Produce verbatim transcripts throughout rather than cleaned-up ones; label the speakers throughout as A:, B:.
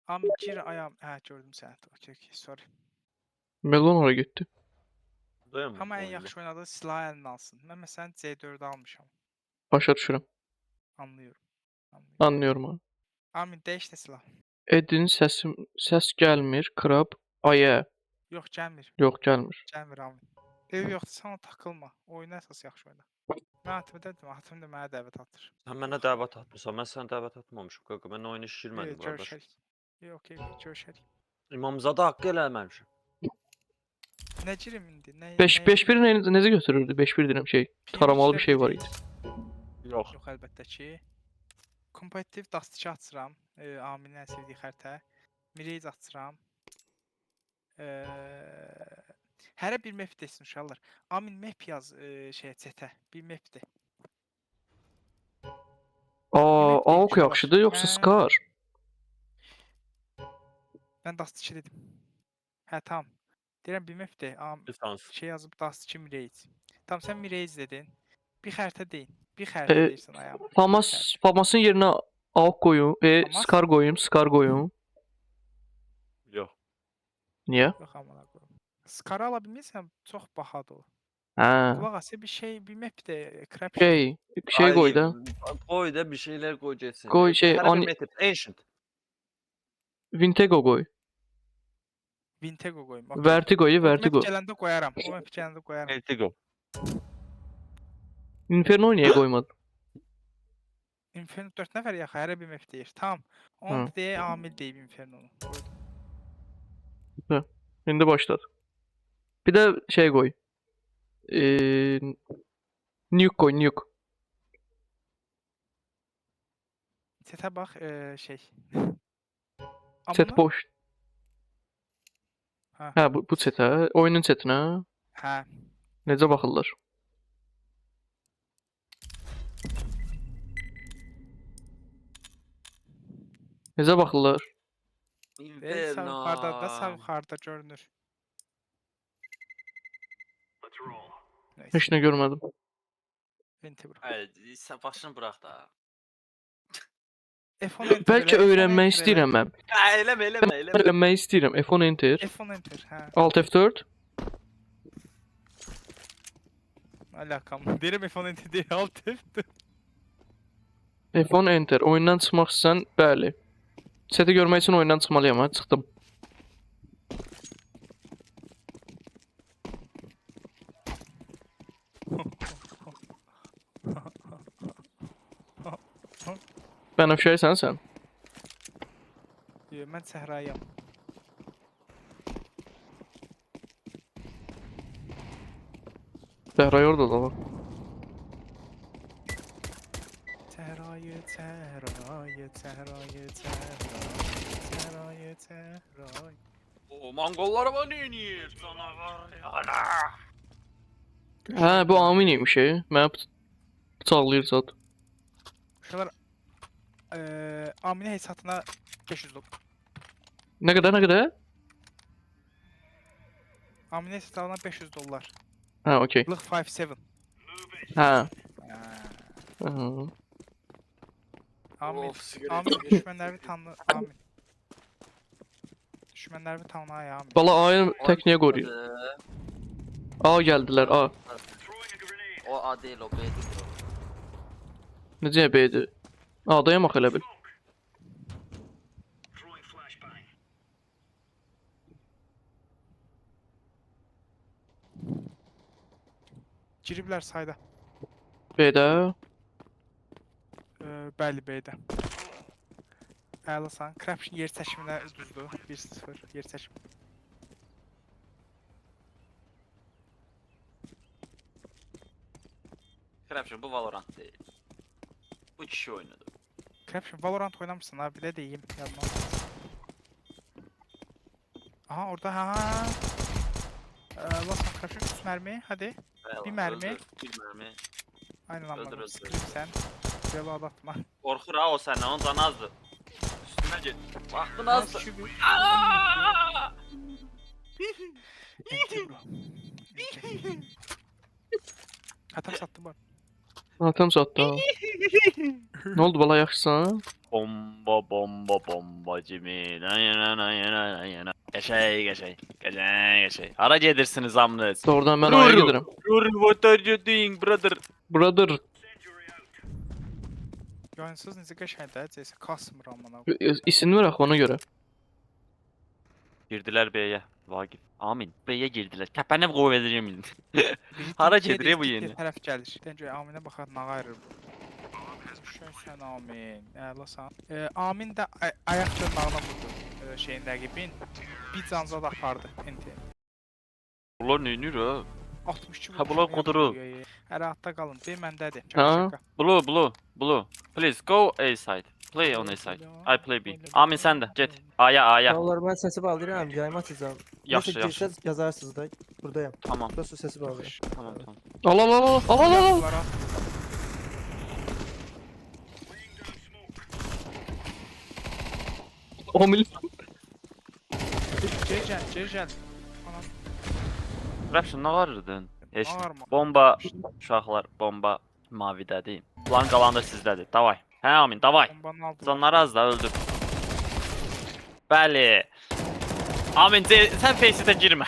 A: Amin gir ayağım. Ha gördüm səni. Okey, okey, sorry.
B: Melon oraya gitti.
C: Dayanma.
A: Amma ən
C: oyunda.
A: yaxşı oynadığı silahı əlinə alsın. Mən məsələn C dördü almışam.
B: Başa düşürəm.
A: Anlıyorum. Anlıyorum.
B: Anlıyorum abi.
A: Amin dəyiş də silah.
B: Edin səsim səs gəlmir. Krab aya.
A: Yox, gəlmir.
B: Yox gəlmir.
A: Gəlmir Amin. Ev yoxdur, sən ona takılma. Oyuna əsas yaxşı oyna. Mən atımı dedim, atım da mənə dəvət atır.
C: Sən mənə dəvət atmısan. Mən sənə dəvət atmamışam. Qaqa, mən oyuna
A: Yox,
C: şişirmədim qardaş.
A: görüşərik. Yox, okey, görüşərik.
C: İmamzadə haqqı eləməmişəm.
A: Nə girim indi? Nə?
B: beş
A: nəyə
B: beş bir
A: girim?
B: ne, necə götürürdü? beş bir deyirəm şey.
A: Bir
B: Taramalı bir
A: beşlə
B: şey var
A: bir
B: idi.
C: Yox.
A: Yox, əlbəttə ki. Kompetitiv Dust iki açıram. E, Aminin ən sevdiyi xəritə. Mirage açıram. E, hərə bir map desin uşaqlar. Amin map yaz e, şeyə chatə. Bir mapdir.
B: Aa,
A: map deyim
B: AUK
A: uşaqlar.
B: yaxşıdır yoxsa
A: Mən-
B: Scar?
A: Mən Dust iki dedim. Hə, tamam. Deyirəm bir mapdir. Am
C: Lisans.
A: şey yazıb Dust iki Mirage. Tamam, sən Mirage dedin. Bir xəritə deyin. Bir xəritə
B: E,
A: deyirsən ayağım. Bir
B: Famas,
A: xəritə.
B: Famas'ın yerine AUK koyun. E,
A: Famas?
B: Scar koyun. Scar koyun.
C: Yox.
B: Niye?
A: Yox, amına qoyum. Scar ala bilmirsən, çox bahadır o.
B: Ha.
A: Qulaq as, bir şey, bir map de, crap
B: Şey, şey
C: Ay,
B: koy da.
C: Koy da bir şeyler koy geçsin.
B: Koy şey,
C: Hərə
B: ani-
C: bir method. Ancient.
B: Vintego koy.
A: Vintego qoyum. okey.
B: Vertigo'yu
A: O
B: Vertigo.
A: map gələndə qoyaram. O map gələndə qoyaram.
C: Vertigo.
B: Inferno niye koymadın?
A: Inferno dörd nəfər yaxı, hərə bir map deyir. Tamam. Onu
B: Hı.
A: da deyə Amil deyib Inferno-nu.
B: Şimdi başladı. Bir de şey koy. Ee, nuke koy, nuke.
A: Setə bax, e, şey.
B: Set
A: Amına-
B: boş.
A: Ha.
B: Ha bu, bu sete. Oyunun setine.
A: Hə.
B: Necə baxırlar? Necə baxırlar?
A: Ve sağ yuxarıda da sağ yuxarıda görünür. Neyse.
B: Heç nə görmədim.
A: Venti bura.
D: Hayır, sen başını bırak da.
A: F on enter
B: Bəlkə
A: elə, F on
B: öyrənmək
A: enter elə.
B: istəyirəm mən.
D: Ya eleme eleme eleme.
B: Öyrənmək istəyirəm. F on enter.
A: F on enter, hə.
B: Alt F dörd.
A: Alakam. Deyirəm F on enter deyil, alt F dörd.
B: F on enter. Oyundan çıxmaq istəsən, bəli. Seti görmək üçün oyundan çıxmalıyam, ha, çıxdım. Bənövşəysən sən?
A: Yox, mən səhrayam.
B: Səhray orada da var.
A: Səhrayı, səhrayı, səhrayı, səhrayı, səhrayı, səhrayı.
D: O Mongollar bana ne niye? Canavar yana.
B: Hə, bu Amin imiş, e. Mənə bıç- bıçaqlayır zat.
A: Uşaqlar, eee, Aminə hesabına beş yüz dollar.
B: Nə qədər, nə qədər?
A: Aminə hesabına beş yüz dollar.
B: Hə, okey.
A: Lıq beş yeddi.
B: Hə.
A: Hə.
B: Hı.
A: Amin,
D: Of, sigara
A: Amin
D: içiyor.
A: düşmənləri tanı, Amin. Düşmənləri tanımaya Amin.
B: Bala A'yı tək niyə qoruyur? A gəldilər, A.
D: O A değil o B'dir bro.
B: Necə B'dir? A'dayam axı elə bil.
A: Giriblər sayda.
B: B'də.
A: Eee, bəli, B'də. Əlasan. Craption yer çəkiminə düzdür. bir sıfır yer çəkim.
D: Krapşın bu Valorant değil. Bu kişi oynadı.
A: Craption Valorant oynamırsan abi, bir də deyim yanına. Aha, orada ha. Eee, Lasan Craption üç mərmi, hadi. Bir mermi.
D: Öldür, Bir mermi.
A: Aynen
D: Öldür,
A: anladım.
D: öldür.
A: Sıkayım sen. Reload atma.
D: Korkur ha o senden, onun canı azdı. Üstüne git. Baktın azdı.
A: Şu bir-
D: Aaaa!
A: Enti bro. Enti. Atam sattım bak.
B: Atam satdı. Ha. Nə oldu bala, yaxşısan?
D: Bomba bomba bomba Jimmy. Na yana na yana na yana. Geçey geçey. Geçey geçey. Hara gedirsiniz amınız.
B: Doğrudan ben A'ya
D: Ruru.
B: giderim.
D: Ruru, what are you doing brother?
B: Brother,
A: Yayınsız necə qəşəngdir, cəsə kasmır amına.
B: isim ver axı ona göre.
D: Girdiler B'ye. Vagif. Amin. B'ye girdiler. Tepene koy vereceğim.
A: Biri
D: Hara
A: dinçəyə
D: gedir ya bu
A: deyir,
D: yeni?
A: digər tərəf gəlir. Dəncə Aminə baxar nə qayırır bu. Şön sən Amin. Əlasan. E, Amin də ay ayaq dırnağına vurdu e, şeyin rəqibin. Bir canza da apardı. Enti.
D: Bunlar ne iniyor ha?
A: altmış iki
D: Ha,
A: vurmuş,
D: bunlar
A: amma
D: quduru.
A: yapmıyor, e. Hər hatta qalın. B məndədir.
B: Ha?
A: Şaka şaka.
D: Blue blue blue. Please go A side. Play on A side. I play B. Amin sen de. Jet. A'ya A'ya.
E: Vallahi ben sesi bağlayacağım, yayma açacağım.
D: Yaxşı
E: Neyse
D: yaxşı.
E: girseniz yazarsınız da. Buradayım.
D: Tamam.
E: Burası sesi bağlayacağım.
D: Tamam tamam.
B: Al al al al al al al.
A: Bunlara-
B: on mil.
A: Cecəl, cecəl. Anam,
D: Rapşin ne varırdın? Heç. nə.
A: ağarma.
D: Bomba uşaqlar bomba mavidədir. Plan qalan da sizdədir. Davay. Hə Amin davay.
A: Bombanı aldılar.
D: Canları az da öldü. Bəli. Amin ce- sən face'ə girmə.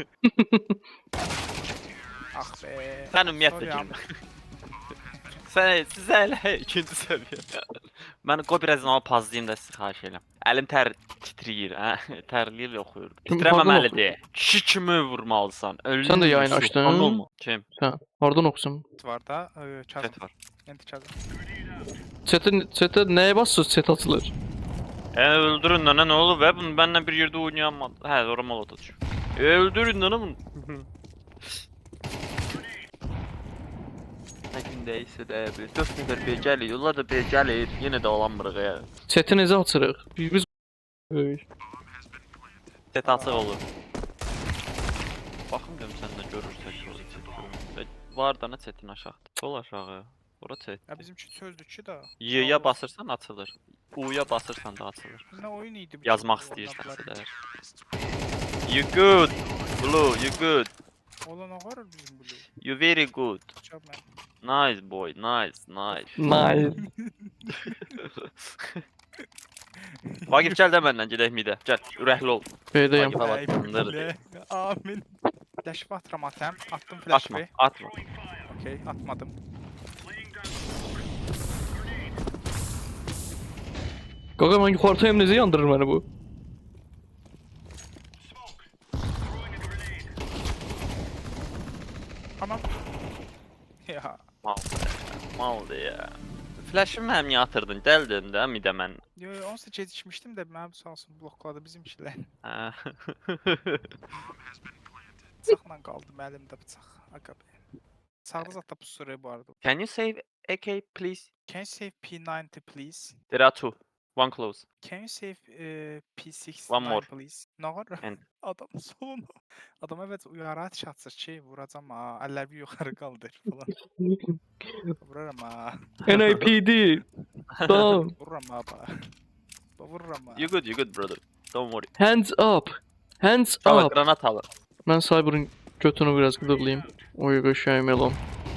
A: Ah be.
D: Sən ümumiyyətlə
A: Sorry,
D: girmə.
A: Amin.
D: Sən sizə elə ikinci səviyyə. Mən qoy biraz onu pazlayım da sizi xahiş edirəm. Əlim tər titrəyir, hə? Tərləyir oxuyur.
B: Kim,
D: Titrəməməlidir. Kişi kimi vurmalısan. Ölüm.
B: Sən də yayını açdın.
D: Kim?
B: Oradan oxusun.
A: Var da. e, Kazım.
D: Chat var.
A: Enti Kazım.
B: Chat'e chat'e neye bassız chat atılır?
D: E öldürün lan ne olur be bunu benimle bir yerde oynayamadı. He doğru molotov düşüyor. E öldürün lan bunu. Ne gündeyse de bir dört nefer bir gəlir, yollar da bir gəlir, yenə də olanmırıq ya.
B: Chat'i necə açırıq? Biz biz Ey,
D: Set açıq olur. Baxım görüm sən də görürsək orada set görürəm. Var da nə setin aşağıda. Sol aşağı. Ora set.
A: Ya bizimki sözdür ki da.
D: Y-ya basırsan açılır. U-ya basırsan da açılır.
A: Ne oyun idi bu?
D: Yazmaq
A: ki,
D: istəyirsənsə
A: oynadılar.
D: də. You good. Blue, you good.
A: Olan o var bizim blue.
D: You very good.
A: Çab mən.
D: Nice boy, nice, nice.
B: Nice.
D: Vagif gəl də məndən gedək midə. Gəl, ürəkli ol.
B: B'deyim.
D: Vagif hava
A: Ay,
D: tutundurur.
A: bile. Amin. Flash atıram atam. Attım
D: Atma,
A: flash'ı.
D: atma.
A: Okey, atmadım.
B: Qaqa mən yuxarıdayım necə yandırır məni bu?
A: Tamam. Ya.
D: Maldı, maldı ya. Flash'ı mənim niyə atırdın? Dəldin də midə mən.
A: Yo, yo, onsuz gecikmişdim də mənim sağ olsun blokladı bizimkilər.
D: Hə.
A: Bıçaqla qaldım əlimdə bıçaq. Aga be. Sağda zat da pusurayı bu arada.
D: Can you save A K please?
A: Can you save P ninety please?
D: There are two. One close.
A: Can you save uh, P sixty-nine
D: One more.
A: please? Ne var?
D: And-
A: Adam solunu. Adam evet uyarı atış atsa şey vuracağım ha. Eller bir yukarı kaldır falan. Vururum ha.
B: N A P D. Tamam.
A: Vururum ha bana. Vururum ha.
D: You good, you good brother. Don't worry.
B: Hands up. Hands
D: Tamam,
B: up.
D: granat alır.
B: Mən Cyber'ın götünü biraz qıdıqlayım. Oy qəşəng melon.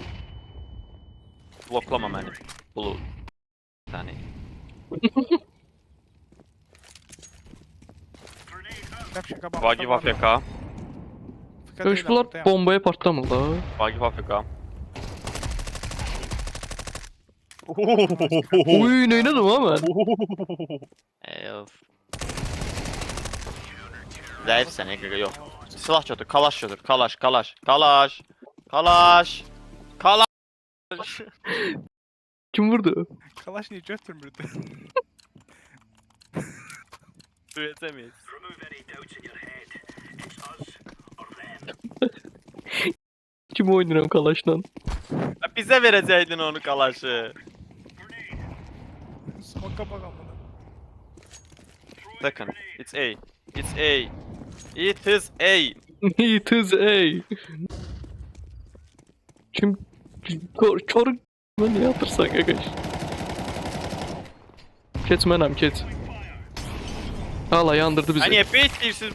D: Bloklama məni. Blue. Səni.
A: Şaka şaka bak.
D: Vagif A F K.
B: Görüş bunlar bombaya partlamırlar.
D: Vagif A F K.
B: Oy neylədim ha mən?
D: Ev. Zəifsən Ege, yox. Silah götür, kalaş götür, kalaş, kalaş, kalaş, kalaş, kalaş.
B: Kim vurdu?
A: Kalaş niye götürmürdü?
D: Duyacağız.
B: Kim oynuyorum kalaşla?
D: Bizə verəcəydin onu kalaşı.
A: Smoke'a bak amına.
D: Second, it's A. It's A. It is A.
B: It is A. Kim? Kor, kor ben ne yapırsan arkadaş? Keç mənəm, keç. Hala yandırdı bizi.
D: Hani hep bekleyirsin.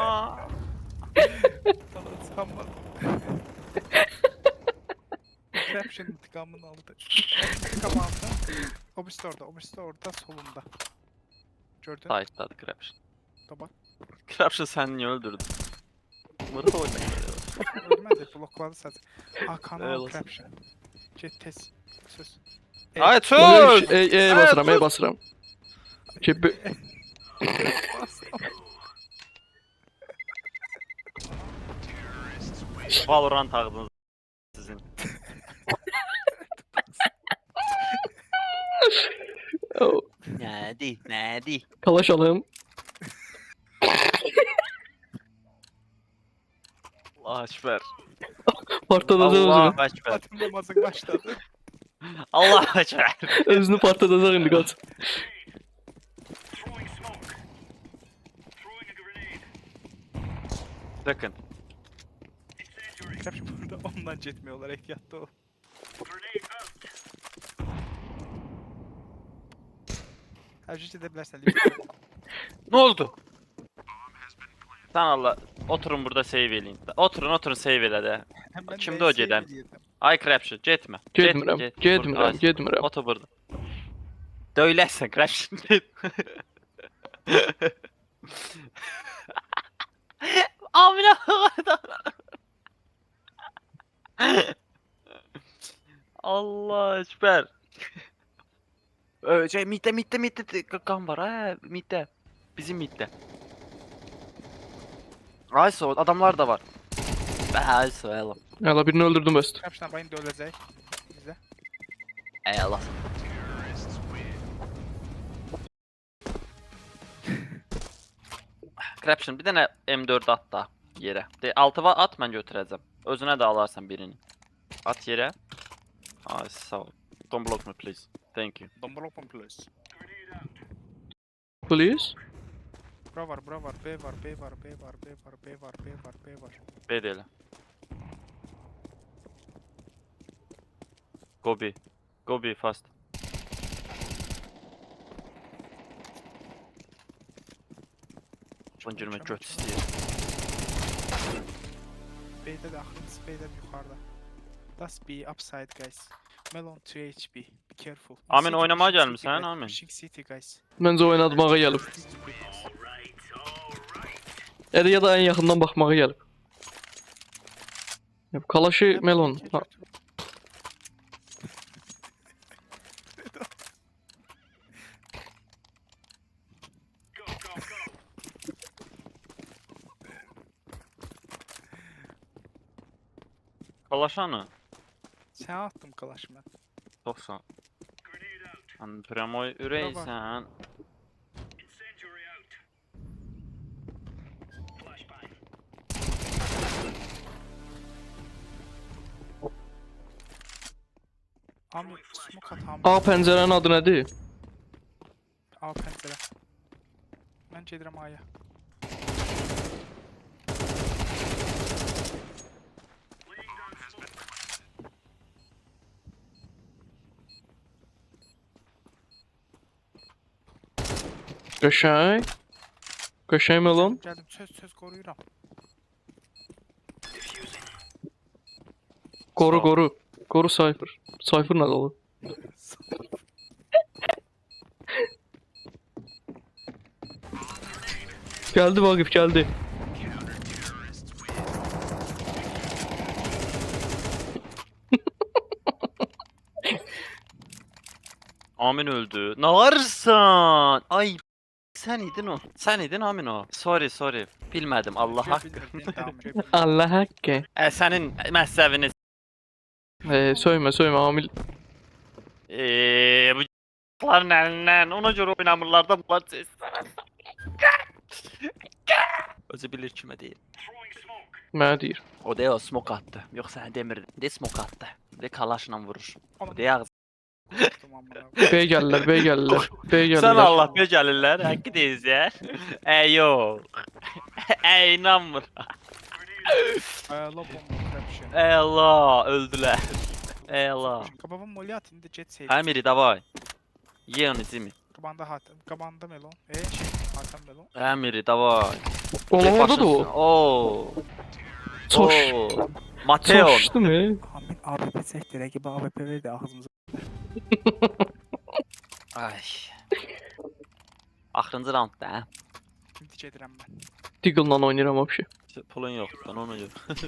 A: Sana sanmadım. Corruption intikamını aldı. Kapandı. Obüs orada, obüs orada solunda. Gördün?
D: Sight'tadı Corruption.
A: Da bak.
D: Corruption sen niye öldürdün? Mırı oynayın.
A: Ölmedi, blokladı sadece. Hakan'a
D: Eyvallah.
A: al Corruption. Get tez. Söz.
D: Ay
B: Oy,
D: tut!
B: E, e
D: Evet,
B: basıram, e
D: tut.
B: basıram. Ki bu-
A: Bastım.
D: Valorant ağzınız sizin.
B: Oh,
D: Nədi, nədi?
B: Kalaşalım.
D: Allah ekber.
B: Partladacaq
D: Allah
B: özünü.
D: ekber.
A: Fatih namazı başladı.
D: Allah ekber.
B: Özünü partladacaq indi qaç.
D: Bakın.
A: Corruption burada ondan getmiyorlar, ehtiyatlı ol. Her şey edebilirsen.
D: Ne oldu? Sen Allah oturun burada save eləyin. Oturun oturun save elə də.
A: Hemen
D: Kimdi o gedən? Ay Craption, getmə.
B: Getmirəm,
D: Get-
B: getmirəm,
D: Dur,
B: getmirəm.
D: Otur burada. Döyləsən Craption. Amına koydum. Allah ekber. Ö, şey mitte mitte mitte kan var ha mitte. Bizim mitte. Ayso adamlar da var. Ayso eyvallah.
B: Hələ birini öldürdüm bəs.
A: Corruption bayın da ölecek. Bizde.
D: Eyvallah. Craption bir dənə M dörd at da yerə. De altı va at mən götürəcəm. Özünə də alarsan birini. At yerə. Ay sağ ol. Don't block me please. Thank you.
A: Domber open plus.
B: Please.
A: Bura var, bura var, B var, B var, B var, B var, B var, B var, B var.
D: B də elə. Go B. Go B fast. Bunu girmək göt istəyir.
A: B'de de aklınız B'de de yukarıda. That's B upside guys. Melon two H P. Be careful.
D: Amin,
A: City,
D: oynamaya
A: pushing
D: gelmiş
A: City,
D: ha,
A: guys,
D: Amin.
A: Pushing City guys.
B: Məncə oynatmağa gəlib. Ya da ya da ən yaxından baxmağa gəlib. Ya, Kalaşı Melon. Ha,
D: Kalaşanı.
A: Sen attım kalaş ben.
D: doksan. Sen Premoy üreysən.
A: Amin smoke at Amin.
B: A pəncərənin adı nədir?
A: A pencere. Ben gedirəm A'ya.
B: Qəşəng. Qəşəng Melon.
A: Geldim söz söz koruyuram.
B: Qoru,
D: Sağ ol.
B: qoru. Qoru Cypher. Cypher nədir olur? Gəldi Vaqif, gəldi.
D: Amin öldü. Ne varsan? Ay sen idin o. Sen idin Amin o. Sorry sorry. Bilmedim Allah hakkı.
B: Allah haqqı.
D: E senin məhzəvini
B: E, söymə, söymə, Amil.
D: eee bu ların elinden ona göre oynamırlar da bunlar ses. Özü bilir kime değil.
B: Mənə deyir.
D: O de o smoke attı. Yoksa sen demirdi. De smoke attı. De kalaşla vurur. O
A: Onu
D: de ağzı.
B: B gəlirlər, B gəlirlər. B gəlirlər.
D: Sen Allah be gelirler. Hakkı deyiz ya. E yok. E inanmır.
A: Ayarla bomba corruption.
D: Ey Allah öldüler. Ey Allah.
A: Kababın molly at indi jet save.
D: Emiri davay. Ye onu zimi.
A: Kabanda hat. Kabanda melon. E şey Hakan melon.
D: Emiri davay.
B: Oğlum orada da o.
D: Oo.
B: Çoş.
D: Oo. Mateo.
B: Çoşdu mu?
A: Amin A W P çəkdi, rəqibə A W P verdi ağzımıza.
D: Ay. Axırıncı roundda, hə?
A: İndi gedirəm mən.
B: Deagle'la oynayıram vəbşi.
D: Pulun yoxdur, ben ona görə.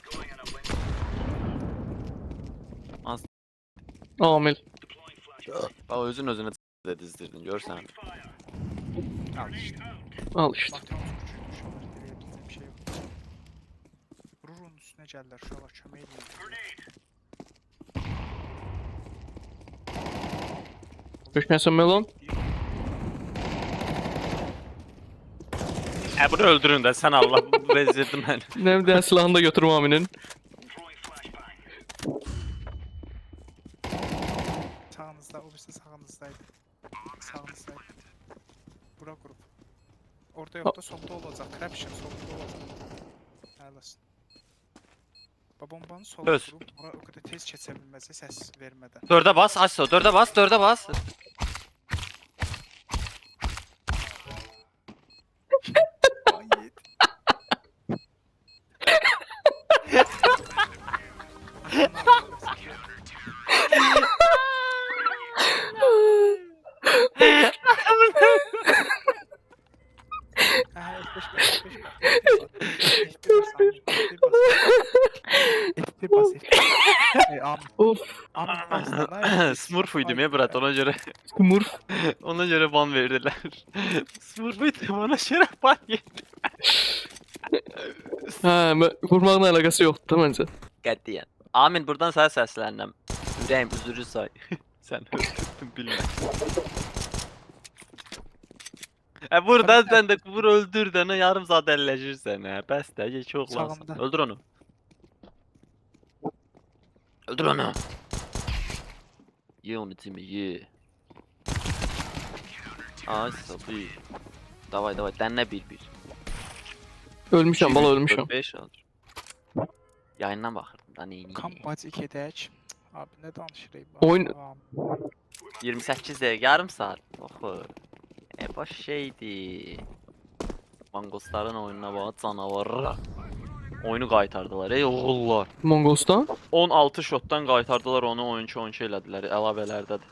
D: Az
B: Amil.
D: bax özün özünə də dizdirdin, görsən.
A: Al işte.
B: Al işte.
A: Bakıyorum suçuymuş onlar, dileyebileceğim bir şey yok. Vururun üstüne geldiler, şuna bak çömeği
B: Düşməsən Melon.
D: Ə bunu öldürün də sən Allah bezdirdin məni.
B: Nə bir dənə silahını da götürüm Aminin.
A: Sağınızda, o birisi sağınızdaydı. Sağınızdaydı. Bura grup. Orada yok da solda olacak. Craption solda olacak. Neredesin? Babambanın solda
D: Öz.
A: grup. Bura o kadar tez keçebilmesi ses vermeden.
D: Dördə bas, Aso, dördə bas, dördə bas.
A: Ay yedi. Ha, F beş bas, F beş bas, F bir bas, F bir bas, F bir. Ey am,
B: Of.
A: am başına.
D: Smurf idim ya Brat, ona görə
B: Smurf.
D: ona görə ban verdilər. Smurf idim, ona görə ban yedi.
B: Hə, mə- vurmaqla əlaqəsi yoxdur da məncə.
D: Qətiyyən. Amin, buradan sənə səslənirəm. Ürəyim üzürü say. Sən öldürdün, bilmə. Hə buradan sən də vur öldür də nə yarım saat əlləşirsən hə. Bəs də geç oğlansan.
A: Sağımda.
D: Öldür onu. Öldür onu. Ye onu Timi, ye. Ay sabı. Davay davay, dənlə bir bir.
B: Ölmüşəm, bala ölmüşəm.
D: beş alır. Yayından baxırdım da neyini.
A: Kamp gedək. Abi nə danışırıq?
B: Oyun-
A: Am.
D: iyirmi səkkiz dəqiqə, yarım saat. Oxu. E boş şeydi. Mangosların oyununa bax, canavarlar. Oyunu qaytardılar ey oğullar.
B: Mongolstan.
D: on altı shotdan qaytardılar onu, oyunçu oyunçu elədilər əlavələrdədir.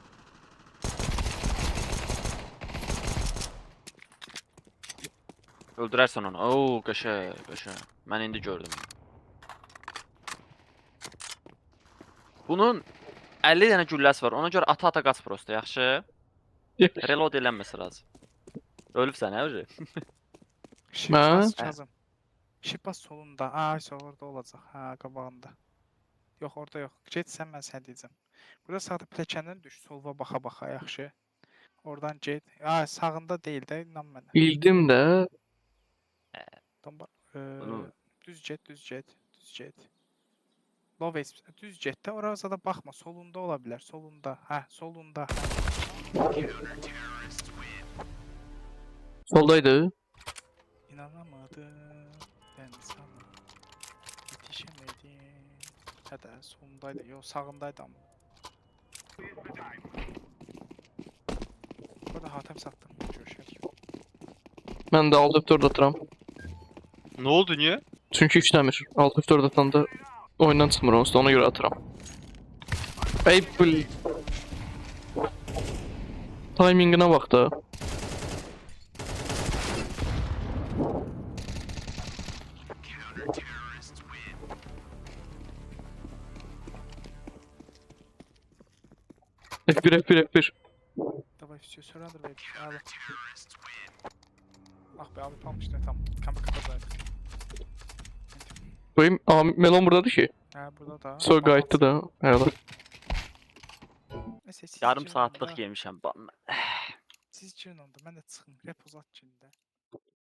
D: Öldürərsən onu. Oo, qəşəng, qəşəng. Mən indi gördüm. Bunun əlli dənə gülləsi var. Ona görə ata-ata qaç prosto, yaxşı? Reload eləməsi lazım. Ölübsən hə öyle?
A: Şipas
B: Hə?
A: Kazım. Şipas solunda. Ay orada olacaq. Ha qabağında. Yox orada yox. Get sən mən sənə deyəcəm. Burada sağda pilləkəndən düş. Solva baxa-baxa yaxşı. Oradan get. Ay sağında deyil də inan mənə.
B: Bildim də.
A: Domba.
D: Bunu-
A: Düz get, düz get, düz get. Low S düz get də oraya da baxma. Solunda ola bilər. Solunda. Hə, solunda.
B: Soldaydı.
A: İnanamadım. Ben sana yetişemedim. Hədə solundaydı. Yox, sağındaydı amma. Burada hatem sattım. Görüşək.
B: Mən də altı F dörd atıram.
D: Ne oldu niye?
B: Çünki işləmir. altı F dörd atanda oyundan çıxmır onsuz da ona görə atıram. Ey bil. Timinginə bax da. F bir F bir F bir.
A: Давай все, surrender baby. Abi. Ah be abi kalmıştı tam. Kampı kapataydık.
B: Koyayım. Aa, Melon buradadır ki.
A: Ha burada da.
B: So qayıtdı da. Hələ.
A: Neyse, siz
D: Yarım
A: girin
D: saatlik
A: onda.
D: yemişəm ban.
A: Siz girin onda. Mən də çıxım. Rep uzat girin də.